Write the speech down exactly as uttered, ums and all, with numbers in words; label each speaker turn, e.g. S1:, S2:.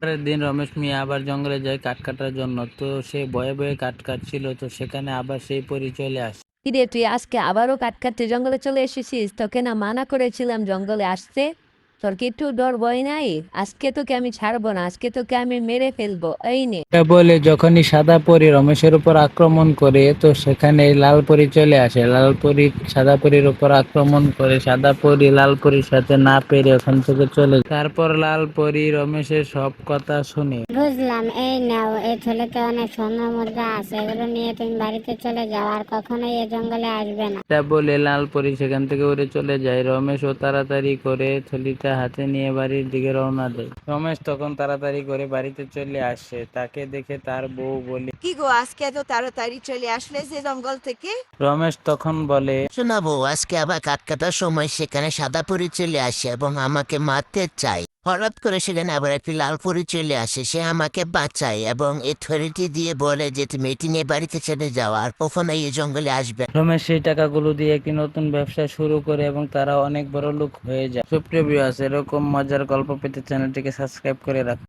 S1: পরের দিন রমেশ মিয়া আবার জঙ্গলে যায় কাঠ কাটার জন্য। তো সে ভয়ে ভয়ে কাঠ কাটছিল, তো সেখানে আবার সেই পরী চলে আসে।
S2: কিরে, তুই আজকে আবারও কাঠ কাটতে জঙ্গলে চলে এসেছিস? তোকে না মানা করেছিলাম জঙ্গলে আসতে? তোর কি একটু ডর ভয় নাই? আজকে তোকে আমি ছাড়বো না, আজকে তোকে আমি মেরে ফেলবো। এই নে।
S1: এটা বলে যখনই সাদা পরী রমেশের উপর আক্রমণ করে, তো সেখানে লাল পরী চলে আসে। লাল পরী সাদা পরীর উপর আক্রমণ করে, সাদা পরী লাল পরীর সাথে না পেরে ওখান থেকে চলে যায়। তারপর লাল পরী রমেশের সব কথা শুনে।
S3: বুঝলাম, এই নাও, এই থলিতে অনেক স্বর্ণ মুদ্রা আছে, এগুলো নিয়ে তুমি বাড়িতে চলে যাও, আর কখনোই এ জঙ্গলে আসবে না।
S1: এটা বলে লাল পরী সেখান থেকে উড়ে চলে যায়। রমেশ ও তাড়াতাড়ি করে থলিটা হাতে নিয়ে বাড়ির দিকে রওনা দেয়। রমেশ তখন তাড়াতাড়ি করে বাড়িতে চলে আসে। তাকে দেখে তার বউ বলে,
S4: কি গো, আজকে এত তাড়াতাড়ি চলে আসলে যে জঙ্গল থেকে?
S1: রমেশ তখন বলে,
S5: শোনাবো, আজকে আবার কাঠ কাটার সময় সেখানে সাদা পরী চলে আসে এবং আমাকে মারতে চায়। হঠাৎ করে সেখানে আবার একটি লাল পরী চলে আসে, সে আমাকে বাঁচায় এবং এই থরিটি দিয়ে বলে যে তুমি এটি নিয়ে বাড়িতে চলে যাও, আর কখনোই এই জঙ্গলে আসবে না।
S1: রমেশ সেই টাকাগুলো দিয়ে একটি নতুন ব্যবসা শুরু করে এবং তারা অনেক বড় লোক হয়ে যায়। সুপ্রিয় ভিউয়ার্স, এরকম মজার গল্প পেতে চ্যানেলটিকে সাবস্ক্রাইব করে রাখুন।